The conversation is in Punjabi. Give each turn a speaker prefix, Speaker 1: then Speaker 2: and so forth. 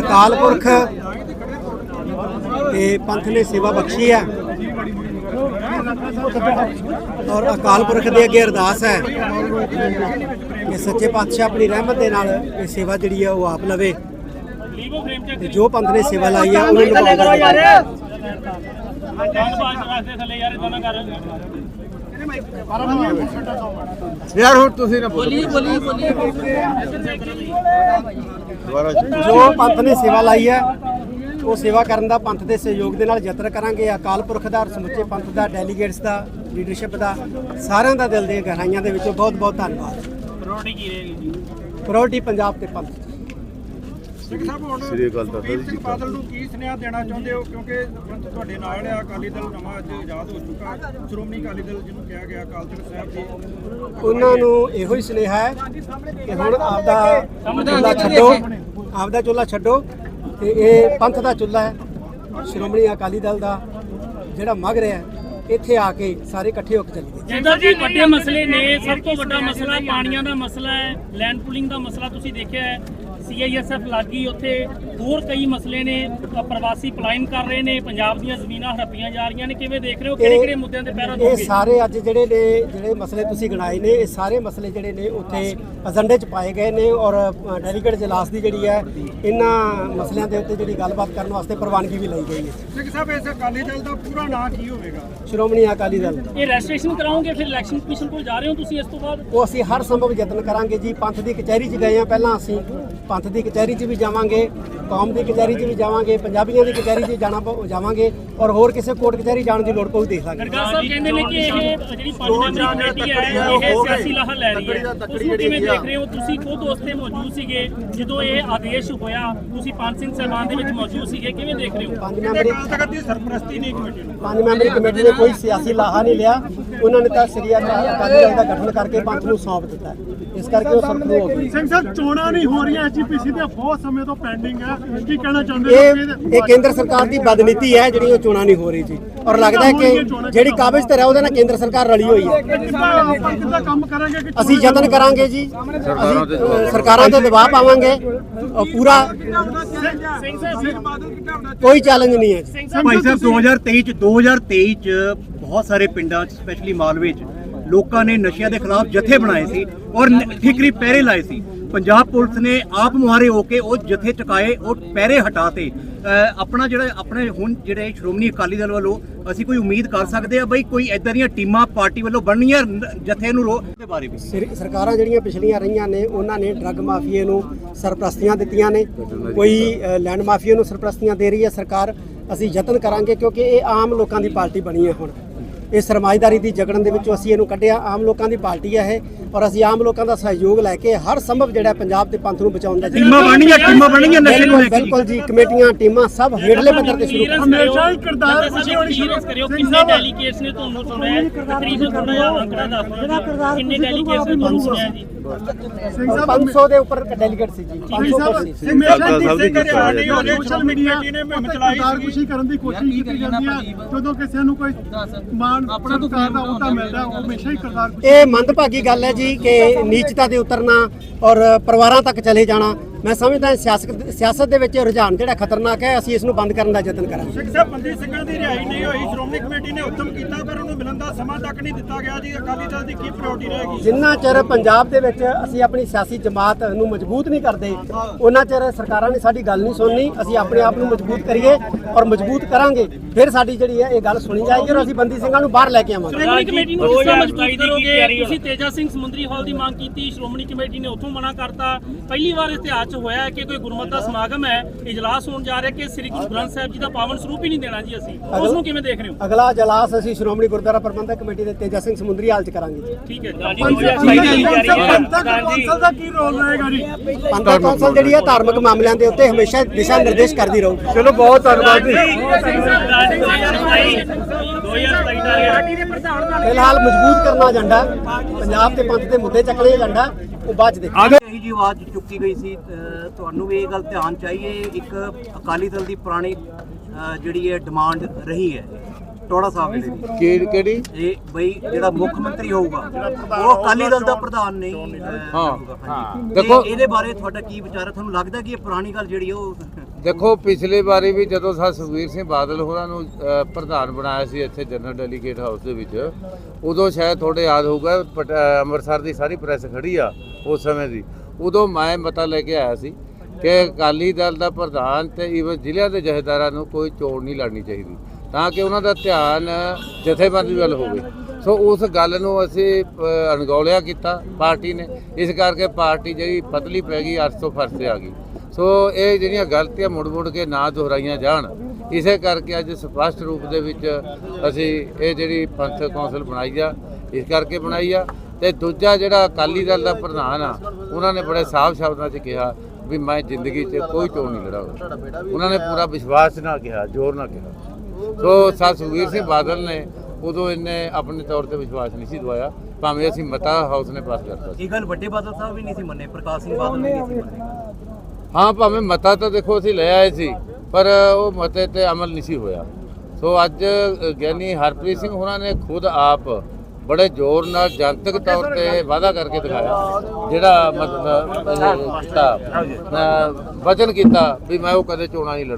Speaker 1: अकाल पुरख ते पंथ ने सेवा बख्शी है और अकाल पुरख के अगे अरदास है कि सच्चे पातशाह अपनी रहमत के नाल ये सेवा जिहड़ी है वो आप लवे। जो पंथ ने सेवा लाई है
Speaker 2: यार हो तुसी ना
Speaker 1: जो पंथ ने सेवा लाई है वो सेवा करने का पंथ के सहयोग के नाल यतन करांगे। अकाल पुरख का समुचे पंथ का डेलीगेट्स का लीडरशिप का सारिਆਂ ਦਾ दिल दी गहराइयां दे विचों बहुत बहुत धन्यवाद। प्रायोरिटी पंजाब ते पंथ।
Speaker 3: ਸਿੰਘ ਸਾਹਿਬ ਹੁਣ
Speaker 2: ਸ੍ਰੀ ਅਕਾਲ ਤਖਤ
Speaker 3: ਸੁਖਬੀਰ
Speaker 2: ਜੀ
Speaker 3: ਸਿੰਘ ਬਾਦਲ ਨੂੰ ਕੀ ਸੁਨੇਹਾ ਦੇਣਾ ਚਾਹੁੰਦੇ ਹੋ, ਕਿਉਂਕਿ ਤੁਹਾਡੇ ਨਾਲ ਆ ਅਕਾਲੀ ਦਲ ਨਵਾਂ ਅੱਜ ਆਜ਼ਾਦ ਹੋ ਚੁੱਕਾ, ਸ਼੍ਰੋਮਣੀ ਅਕਾਲੀ ਦਲ ਜਿਹਨੂੰ ਕਿਹਾ ਗਿਆ ਅਕਾਲ ਤਖਤ ਸਾਹਿਬ ਜੀ,
Speaker 1: ਉਹਨਾਂ ਨੂੰ ਇਹੋ ਹੀ ਸੁਨੇਹਾ ਹੈ ਕਿ ਹੁਣ ਆਪਦਾ ਚੁੱਲ੍ਹਾ ਛੱਡੋ, ਆਪਦਾ ਚੁੱਲ੍ਹਾ ਛੱਡੋ ਤੇ ਇਹ ਪੰਥ ਦਾ ਚੁੱਲ੍ਹਾ ਹੈ, ਸ਼੍ਰੋਮਣੀ ਅਕਾਲੀ ਦਲ ਦਾ ਜਿਹੜਾ ਮਗ ਰਿਹਾ ਇੱਥੇ ਆ ਕੇ ਸਾਰੇ ਇਕੱਠੇ ਹੋ ਕੇ ਚੱਲੀਏ।
Speaker 4: ਜਿੱਦਾਂ ਜੀ ਵੱਡੇ ਮਸਲੇ ਨੇ, ਸਭ ਤੋਂ ਵੱਡਾ ਮਸਲਾ ਪਾਣੀਆਂ ਦਾ ਮਸਲਾ ਹੈ, ਲੈਂਡ ਪੂਲਿੰਗ ਦਾ ਮਸਲਾ ਤੁਸੀਂ ਦੇਖਿਆ ਹੈ, CISF ਲੱਗੀ ਉੱਥੇ, ਹੋਰ ਕਈ ਮਸਲੇ ਨੇ, ਪ੍ਰਵਾਸੀ ਪਲਾਇਨ ਕਰ ਰਹੇ ਨੇ, ਪੰਜਾਬ ਦੀਆਂ ਜ਼ਮੀਨਾਂ ਹੜੱਪੀਆਂ ਜਾ ਰਹੀਆਂ ਨੇ, ਕਿਵੇਂ ਦੇਖ ਰਹੇ ਹੋ, ਕਿਹੜੇ ਕਿਹੜੇ ਮੁੱਦਿਆਂ ਤੇ ਪਹਿਰਾ
Speaker 1: ਇਹ
Speaker 4: ਦੋਗੇ?
Speaker 1: ਸਾਰੇ ਅੱਜ ਜਿਹੜੇ ਮਸਲੇ ਤੁਸੀਂ ਗਿਣਾਏ ਨੇ, ਇਹ ਸਾਰੇ ਮਸਲੇ ਜਿਹੜੇ ਨੇ ਉੱਥੇ ਏਜੰਡੇ 'ਚ ਪਾਏ ਗਏ ਨੇ ਔਰ ਡੈਲੀਗੇਟ ਜਲਾਸ ਦੀ ਜਿਹੜੀ ਹੈ ਇਹਨਾਂ ਮਸਲਿਆਂ ਦੇ ਉੱਤੇ ਜਿਹੜੀ ਗੱਲਬਾਤ ਕਰਨ ਵਾਸਤੇ ਪ੍ਰਵਾਨਗੀ ਵੀ ਲਈ ਗਈ ਹੈ।
Speaker 3: ਸਿੰਘ ਸਾਹਿਬ ਇਸ ਅਕਾਲੀ ਦਲ ਦਾ ਪੂਰਾ ਨਾਂ ਕੀ ਹੋਵੇਗਾ?
Speaker 1: ਸ਼੍ਰੋਮਣੀ ਅਕਾਲੀ ਦਲ।
Speaker 4: ਇਹ ਰਜਿਸਟ੍ਰੇਸ਼ਨ ਕਰਾਓਗੇ, ਫਿਰ ਇਲੈਕਸ਼ਨ ਕਮਿਸ਼ਨ ਕੋਲ ਜਾ ਰਹੇ ਹੋ ਤੁਸੀਂ ਇਸ ਤੋਂ ਬਾਅਦ?
Speaker 1: ਉਹ ਅਸੀਂ ਹਰ ਸੰਭਵ ਯਤਨ ਕਰਾਂਗੇ ਜੀ। ਪੰਥ ਦੀ ਕਚਹਿਰੀ 'ਚ ਗਏ ਹਾਂ ਪਹਿਲਾਂ, ਅਸੀਂ ਪੰਥ ਦੀ ਕਚਹਿਰੀ 'ਚ ਵੀ ਜਾਵਾਂਗੇ, ਕੌਮ ਦੀ ਕਚਹਿਰੀ 'ਚ ਵੀ ਜਾਵਾਂਗੇ, ਪੰਜਾਬੀਆਂ ਦੀ ਕਚਹਿਰੀ 'ਚ ਜਾਵਾਂਗੇ ਔਰ ਹੋਰ ਕਿਸੇ ਕੋਰਟ ਕਚਹਿਰੀ ਜਾਣ ਦੀ ਲੋੜ ਪਊ ਦੇਖ ਲਾਂਗੇ।
Speaker 4: ਗਰਗਾ ਸਾਹਿਬ ਕਹਿੰਦੇ ਨੇ ਕਿ ਇਹ ਜਿਹੜੀ 5 ਮੈਂਬਰੀ ਕਮੇਟੀ ਹੈ ਇਹ ਸਿਆਸੀ ਲਾਹਾ ਲੈ ਰਹੀ ਹੈ, ਉਸ ਨੂੰ ਕਿਵੇਂ ਦੇਖ ਰਹੇ ਹੋ? ਤੁਸੀਂ ਖੁਦ ਉੱਥੇ ਮੌਜੂਦ ਸੀਗੇ ਜਦੋਂ ਇਹ ਆਦੇਸ਼ ਹੋਇਆ, ਤੁਸੀਂ ਪੰਜ ਸਿੰਘ ਸਾਹਿਬਾਨ ਦੇ ਵਿੱਚ ਮੌਜੂਦ ਸੀਗੇ, ਕਿਵੇਂ ਦੇਖ ਰਹੇ ਹੋ?
Speaker 1: ਪੰਜ ਮੈਂਬਰੀ
Speaker 3: ਅਕਾਲ ਤਖਤ ਦੀ ਸਰਪ੍ਰਸਤੀ ਨਹੀਂ ਕਮੇਟੀ ਨੂੰ।
Speaker 1: ਪੰਜ ਮੈਂਬਰੀ ਕਮੇਟੀ ਨੇ ਕੋਈ ਸਿਆਸੀ ਲਾਹਾ ਨਹੀਂ ਲਿਆ, ਉਹਨਾਂ ਨੇ ਤਾਂ ਸ੍ਰੀ ਅਕਾਲੀ ਦਲ ਦਾ ਗਠਨ ਕਰਕੇ ਪੰਥ ਨੂੰ ਸੌਂਪ ਦਿੱਤਾ, ਇਸ ਕਰਕੇ ਉਹ ਸਰਪਰੂ ਹੋ ਗਈ।
Speaker 5: ਸਿੰਘ ਸਾਹਿਬ ਚੋਣਾਂ ਨਹੀਂ ਹੋ ਰਹੀਆਂ, HPC ਦੇ ਬਹੁਤ ਸਮੇਂ ਤੋਂ ਪੈਂਡਿੰਗ ਹੈ, ਕੀ ਕਹਿਣਾ ਚਾਹੁੰਦੇ ਹੋ?
Speaker 1: ਇਹ ਕੇਂਦਰ ਸਰਕਾਰ ਦੀ ਬਦਨੀਤੀ ਹੈ ਜਿਹੜੀ ਉਹ ਚੋਣਾਂ ਨਹੀਂ ਹੋ ਰਹੀ ਜੀ, ਔਰ ਲੱਗਦਾ ਹੈ ਕਿ ਜਿਹੜੀ ਕਾਬਜ਼ ਤੇ ਹੈ ਉਹਦੇ ਨਾਲ ਕੇਂਦਰ ਸਰਕਾਰ ਰਲੀ ਹੋਈ ਹੈ।
Speaker 5: ਕਿੱਦਾਂ ਕੰਮ ਕਰਾਂਗੇ ਕਿ
Speaker 1: ਅਸੀਂ ਯਤਨ ਕਰਾਂਗੇ ਜੀ, ਅਸੀਂ ਸਰਕਾਰਾਂ ਤੇ ਦਬਾਅ ਪਾਵਾਂਗੇ ਪੂਰਾ, ਕੋਈ ਚੈਲੰਜ ਨਹੀਂ ਹੈ ਜੀ।
Speaker 6: ਭਾਈ ਸਾਹਿਬ 2023 ਚ ਬਹੁਤ ਸਾਰੇ ਪਿੰਡਾਂ 'ਚ ਸਪੈਸ਼ਲੀ ਮਾਲਵੇ 'ਚ ਲੋਕਾਂ ਨੇ ਨਸ਼ਿਆਂ ਦੇ ਖਿਲਾਫ ਜਥੇ ਬਣਾਏ ਸੀ ਔਰ ਠੀਕਰੀ ਪਹਿਰੇ ਲਾਏ ਸੀ। ਪੰਜਾਬ ਪੁਲਿਸ ਨੇ ਆਪ ਮੁਹਾਰੇ ਹੋ ਕੇ ਉਹ ਜਥੇ ਚੁਕਾਏ, ਉਹ ਪਹਿਰੇ ਹਟਾਤੇ। ਆਪਣਾ ਆਪਣੇ ਹੁਣ ਜਿਹੜੇ ਸ਼੍ਰੋਮਣੀ ਅਕਾਲੀ ਦਲ ਵੱਲੋਂ ਅਸੀਂ ਕੋਈ ਉਮੀਦ ਕਰ ਸਕਦੇ ਆ ਬਈ ਕੋਈ ਇਦਾਂ ਦੀਆਂ ਟੀਮਾਂ ਪਾਰਟੀ ਵੱਲੋਂ ਬਣਨੀਆਂ ਜਥੇ ਨੂੰ ਰੋਕਣ ਦੇ ਬਾਰੇ ਵੀ?
Speaker 1: ਸਰਕਾਰਾਂ ਜਿਹੜੀਆਂ ਪਿਛਲੀਆਂ ਰਹੀਆਂ ਨੇ ਉਹਨਾਂ ਨੇ ਡਰੱਗ ਮਾਫੀਏ ਨੂੰ ਸਰਪ੍ਰਸਤੀਆਂ ਦਿੱਤੀਆਂ ਨੇ, ਕੋਈ ਲੈਂਡ ਮਾਫੀਏ ਨੂੰ ਸਰਪ੍ਰਸਤੀਆਂ ਦੇ ਰਹੀ ਹੈ ਸਰਕਾਰ। ਅਸੀਂ ਯਤਨ ਕਰਾਂਗੇ ਕਿਉਂਕਿ ਇਹ ਆਮ ਲੋਕਾਂ ਦੀ ਪਾਰਟੀ ਬਣੀ ਹੈ ਹੁਣ, ਇਹ ਸਰਮਾਏਦਾਰੀ ਦੀ ਜਗੜਨ ਦੇ ਵਿੱਚੋਂ ਅਸੀਂ ਇਹਨੂੰ ਕੱਢਿਆ, ਆਮ ਲੋਕਾਂ ਦੀ ਪਾਰਟੀ ਹੈ ਇਹ, ਔਰ ਅਸੀਂ ਆਮ ਲੋਕਾਂ ਦਾ ਸਹਿਯੋਗ ਲੈ ਕੇ ਹਰ ਸੰਭਵ ਜਿਹੜਾ ਪੰਜਾਬ ਦੇ ਪੰਥ ਨੂੰ ਬਚਾਉਣ ਦਾ
Speaker 6: ਟੀਮਾਂ ਬਣਨੀਆਂ ਨਸ਼ੇ ਨੂੰ ਲੈ ਕੇ।
Speaker 1: ਬਿਲਕੁਲ ਜੀ, ਕਮੇਟੀਆਂ ਟੀਮਾਂ ਸਭ ਹੇਠਲੇ ਪੱਧਰ ਤੇ ਸ਼ੁਰੂ
Speaker 5: ਹਮੇਸ਼ਾ ਹੀ ਕਿਰਦਾਰ
Speaker 4: ਤੁਸੀਂ ਕਰਿਓ, ਕਿੰਨੇ ਡੈਲੀਗੇਟਸ ਨੇ ਤੁਹਾਨੂੰ ਸੁਣਿਆ? ਤਕਰੀਬਨ ਥੋੜਾ ਅੰਕੜਾ ਦੱਸ ਦਿਓ, ਕਿੰਨੇ ਡੈਲੀਗੇਟਸ ਨੇ ਤੁਹਾਨੂੰ ਸੁਣਿਆ ਜੀ?
Speaker 1: 500 ਦੇ ਉੱਪਰ ਡੈਲੀਗੇਟ ਸੀ ਜੀ, 500 ਸੀ।
Speaker 5: ਸੋਸ਼ਲ ਮੀਡੀਆ ਨੇ ਮੁਹਿੰਮ ਚਲਾਈ ਸੀ, ਖੁਸ਼ੀ ਕਰਨ ਦੀ ਕੋਸ਼ਿਸ਼ ਕੀਤੀ ਜਾਂਦੀ ਹੈ, ਜਦੋਂ ਕਿਸੇ ਨੂੰ ਕੋਈ ਮਾਣ ਆਪਣਾ ਸਰਕਾਰ ਦਾ ਉਹਦਾ ਮਿਲਦਾ ਉਹ ਹਮੇਸ਼ਾ ਹੀ ਕਿਰਦਾਰ।
Speaker 1: ਇਹ ਮੰਦਭਾਗੀ ਗੱਲ ਹੈ ਜੀ ਕਿ ਨੀਚਤਾ ਤੇ ਉਤਰਨਾ ਔਰ ਪਰਿਵਾਰਾਂ ਤੱਕ ਚਲੇ ਜਾਣਾ। ਮੈਂ ਸਮਝਦਾ ਸਿਆਸਤ ਦੇ ਵਿੱਚ ਰੁਝਾਨ ਜਿਹੜਾ ਖਤਰਨਾਕ ਹੈ, ਅਸੀਂ ਇਸ ਨੂੰ ਬੰਦ ਕਰਨ ਦਾ ਯਤਨ ਕਰਾਂਗੇ।
Speaker 3: ਸਿੰਘ ਸਾਹਿਬ ਬੰਦੀ ਸਿੰਘਾਂ ਦੀ ਰਿਹਾਈ ਨਹੀਂ ਹੋਈ, ਸ਼੍ਰੋਮਣੀ ਕਮੇਟੀ ਨੇ ਹੁਕਮ ਕੀਤਾ ਪਰ ਉਹਨੂੰ ਮਿਲਣ ਦਾ ਸਮਾਂ ਤੱਕ ਨਹੀਂ ਦਿੱਤਾ ਗਿਆ ਜੀ, ਅਕਾਲੀ ਦਲ ਦੀ ਕੀ ਪ੍ਰਾਇੋਰਟੀ ਰਹੇਗੀ?
Speaker 1: ਜਿੰਨਾ ਚਿਰ ਪੰਜਾਬ ਦੇ ਵਿੱਚ ਅਸੀਂ ਆਪਣੀ ਸਿਆਸੀ ਜਮਾਤ ਨੂੰ ਮਜ਼ਬੂਤ ਨਹੀਂ ਕਰਦੇ ਉਹਨਾਂ ਚਿਰ ਸਰਕਾਰਾਂ ਨੇ ਸਾਡੀ ਗੱਲ ਨਹੀਂ ਸੁਣਨੀ। ਅਸੀਂ ਆਪਣੇ ਆਪ ਨੂੰ ਮਜ਼ਬੂਤ ਕਰੀਏ ਔਰ ਮਜ਼ਬੂਤ ਕਰਾਂਗੇ, ਫਿਰ ਸਾਡੀ ਜਿਹੜੀ ਹੈ ਇਹ ਗੱਲ ਸੁਣੀ ਜਾਏਗੀ ਔਰ ਅਸੀਂ ਬੰਦੀ ਸਿੰਘਾਂ ਨੂੰ ਬਾਹਰ ਲੈ ਕੇ ਆਵਾਂਗੇ।
Speaker 4: ਸ਼੍ਰੋਮਣੀ ਕਮੇਟੀ ਨੂੰ ਕਿਸ ਤਰ੍ਹਾਂ ਮਜ਼ਬੂਤ ਕਰੋਗੇ? ਤੁਸੀਂ ਤੇਜਾ ਸਿੰਘ ਸਮੁੰਦਰੀ ਹਾਲ ਦੀ ਮੰਗ ਕੀਤੀ, ਸ਼੍ਰੋਮਣੀ ਕਮੇਟੀ ਨੇ ਉੱਥੋਂ ਮਨਾ ਕਰਤਾ। ਪਹਿਲੀ ਵਾਰ ਇਤਿਹਾਸ 'ਚ ਹੋਇਆ ਕਿ ਕੋਈ ਗੁਰਮਤਿ ਦਾ ਸਮਾਗਮ ਹੈ, ਇਜਲਾਸ ਹੋਣ ਜਾ ਰਿਹਾ ਕਿ ਸ੍ਰੀ ਗੁਰੂ ਗ੍ਰੰਥ ਸਾਹਿਬ ਜੀ ਦਾ ਪਾਵਨ ਸਰੂਪ ਹੀ ਨਹੀਂ ਦੇਣਾ ਜੀ, ਅਸੀਂ ਉਸ ਨੂੰ ਕਿਵੇਂ ਦੇਖ ਰਹੇ ਹੋ?
Speaker 1: ਅਗਲਾ ਇਜਲਾਸ ਅਸੀਂ ਸ਼੍ਰੋਮਣੀ ਗੁਰਦੁਆਰਾ ਪ੍ਰਬੰਧਕ ਕਮੇਟੀ ਦੇ ਤੇਜਾ ਸਿੰਘ ਸਮੁੰਦਰੀ ਹਾਲ 'ਚ ਕਰਾਂਗੇ ਜੀ।
Speaker 4: ਠੀਕ ਹੈ
Speaker 5: ਪੰਥਕ ਕੌਂਸਲ ਦਾ ਕੀ ਰੋਲ ਰਹੇਗਾ ਜੀ?
Speaker 1: ਪੰਥਕ ਕੌਂਸਲ ਜਿਹੜੀ ਹੈ ਧਾਰਮਿਕ ਮਾਮਲਿਆਂ ਦੇ ਉੱਤੇ ਹਮੇਸ਼ਾ ਦਿਸ਼ਾ ਨਿਰਦੇਸ਼ ਕਰਦੀ ਰਹੂਗੀ।
Speaker 5: ਚਲੋ ਬਹੁਤ ਧੰਨਵਾਦ ਜੀ।
Speaker 1: ਫਿਲਹਾਲ ਮਜ਼ਬੂਤ ਕਰਨਾ ਏਜੰਡਾ, ਪੰਜਾਬ ਤੇ ਪੰਥ ਦੇ ਮੁੱਦੇ ਚੱਕਣੇ ਏਜੰਡਾ, ਉਹ ਬਾਅਦ ਚ ਦੇਖਾਂਗੇ।
Speaker 6: ਇਹੀ ਜੀ ਆਵਾਜ਼ ਚੁੱਕੀ ਗਈ ਸੀ, ਤੁਹਾਨੂੰ ਵੀ ਇਹ ਗੱਲ ਧਿਆਨ ਚਾਹੀਏ। ਇੱਕ ਅਕਾਲੀ ਦਲ ਦੀ ਪੁਰਾਣੀ ਜਿਹੜੀ ਹੈ ਡਿਮਾਂਡ ਰਹੀ ਹੈ ਟੋੜਾ ਸਾਹਿਬ ਦੀ,
Speaker 2: ਕਿਹੜੀ
Speaker 6: ਇਹ ਬਈ ਜਿਹੜਾ ਮੁੱਖ ਮੰਤਰੀ ਹੋਊਗਾ ਉਹ ਅਕਾਲੀ ਦਲ ਦਾ ਪ੍ਰਧਾਨ ਨਹੀਂ।
Speaker 2: ਹਾਂ
Speaker 6: ਦੇਖੋ ਇਹਦੇ ਬਾਰੇ ਤੁਹਾਡਾ ਕੀ ਵਿਚਾਰ ਹੈ? ਤੁਹਾਨੂੰ ਲੱਗਦਾ ਕਿ ਇਹ ਪੁਰਾਣੀ ਗੱਲ ਜਿਹੜੀ ਉਹ
Speaker 2: ਦੇਖੋ ਪਿਛਲੀ ਵਾਰੀ ਵੀ ਜਦੋਂ ਸੁਖਬੀਰ ਸਿੰਘ ਬਾਦਲ ਹੋਰਾਂ ਨੂੰ ਪ੍ਰਧਾਨ ਬਣਾਇਆ ਸੀ ਇੱਥੇ ਜਨਰਲ ਡੈਲੀਗੇਟ ਹਾਊਸ ਦੇ ਵਿੱਚ, ਉਦੋਂ ਸ਼ਾਇਦ ਤੁਹਾਡੇ ਯਾਦ ਹੋਊਗਾ ਅੰਮ੍ਰਿਤਸਰ ਦੀ ਸਾਰੀ ਪ੍ਰੈਸ ਖੜੀ ਆ ਉਸ ਸਮੇਂ ਦੀ, ਉਦੋਂ ਮੈਂ ਮਤਾ ਲੈ ਕੇ ਆਇਆ ਸੀ ਕਿ ਅਕਾਲੀ ਦਲ ਦਾ ਪ੍ਰਧਾਨ ਤੇ ਈਵਨ ਜ਼ਿਲ੍ਹਿਆਂ ਦੇ ਜਥੇਦਾਰਾਂ ਨੂੰ ਕੋਈ ਚੋਣ ਨਹੀਂ ਲੜਨੀ ਚਾਹੀਦੀ, ਤਾਂ ਕਿ ਉਹਨਾਂ ਦਾ ਧਿਆਨ ਜਥੇਬੰਦੀ ਵੱਲ ਹੋਵੇ। ਸੋ ਉਸ ਗੱਲ ਨੂੰ ਅਸੀਂ ਅਣਗੌਲਿਆ ਕੀਤਾ ਪਾਰਟੀ ਨੇ, ਇਸ ਕਰਕੇ ਪਾਰਟੀ ਜਿਹੜੀ ਪਤਲੀ ਪੈ ਗਈ, ਅਰਸ਼ ਤੋਂ ਫਰਸ਼ ਤੇ ਆ ਗਈ। ਸੋ ਇਹ ਜਿਹੜੀਆਂ ਗਲਤੀਆਂ ਮੁੜ ਕੇ ਨਾ ਦੁਹਰਾਈਆਂ ਜਾਣ, ਇਸੇ ਕਰਕੇ ਅੱਜ ਸਪਸ਼ਟ ਰੂਪ ਦੇ ਵਿੱਚ ਅਸੀਂ ਇਹ ਜਿਹੜੀ ਪੰਥਕ ਕੌਂਸਲ ਬਣਾਈ ਆ, ਇਸ ਕਰਕੇ ਬਣਾਈ ਆ। ਤੇ ਦੂਜਾ ਜਿਹੜਾ ਅਕਾਲੀ ਦਲ ਦਾ ਪ੍ਰਧਾਨ ਆ, ਉਹਨਾਂ ਨੇ ਬੜੇ ਸਾਫ਼ ਸ਼ਬਦਾਂ 'ਚ ਕਿਹਾ ਵੀ ਮੈਂ ਜ਼ਿੰਦਗੀ 'ਚ ਕੋਈ ਚੋਣ ਨਹੀਂ ਲੜਾਂਗਾ। ਉਹਨਾਂ ਨੇ ਪੂਰਾ ਵਿਸ਼ਵਾਸ ਨਾਲ ਕਿਹਾ, ਜ਼ੋਰ ਨਾਲ ਕਿਹਾ। ਸੋ ਸੁਖਬੀਰ ਸਿੰਘ ਬਾਦਲ ਨੇ ਉਦੋਂ ਇਹਨੇ ਆਪਣੇ ਤੌਰ ਤੇ ਵਿਸ਼ਵਾਸ ਨਹੀਂ ਸੀ ਦਵਾਇਆ, ਭਾਵੇਂ ਅਸੀਂ ਮਤਾ ਹਾਊਸ ਨੇ ਪਾਸ ਕਰਤਾ ਸੀ।
Speaker 6: ਇਹ ਗੱਲ ਵੱਡੇ ਬਾਦਲ ਸਾਹਿਬ ਵੀ ਨਹੀਂ ਸੀ ਮੰਨੇ, ਪ੍ਰਕਾਸ਼ ਸਿੰਘ ਬਾਦਲ ਵੀ ਨਹੀਂ ਸੀ ਮੰਨੇ।
Speaker 2: ਹਾਂ, ਭਾਵੇਂ ਮਤਾ ਤਾਂ ਦੇਖੋ ਅਸੀਂ ਲੈ ਆਏ ਸੀ, ਪਰ ਉਹ ਮਤੇ ਤੇ ਅਮਲ ਨਹੀਂ ਸੀ ਹੋਇਆ। ਸੋ ਅੱਜ ਗਿਆਨੀ ਹਰਪ੍ਰੀਤ ਸਿੰਘ ਹੋਰਾਂ ਨੇ ਖੁਦ ਆਪ ਬੜੇ ਜ਼ੋਰ ਨਾਲ ਜਨਤਕ ਤੌਰ ਤੇ ਵਾਅਦਾ ਕਰਕੇ ਦਿਖਾਇਆ, ਜਿਹੜਾ ਮਤਲਬ ਕੀਤਾ ਵਚਨ ਕੀਤਾ ਵੀ ਮੈਂ ਉਹ ਕਦੇ ਚੋਣਾਂ ਨਹੀਂ ਲੜਾਂਗਾ।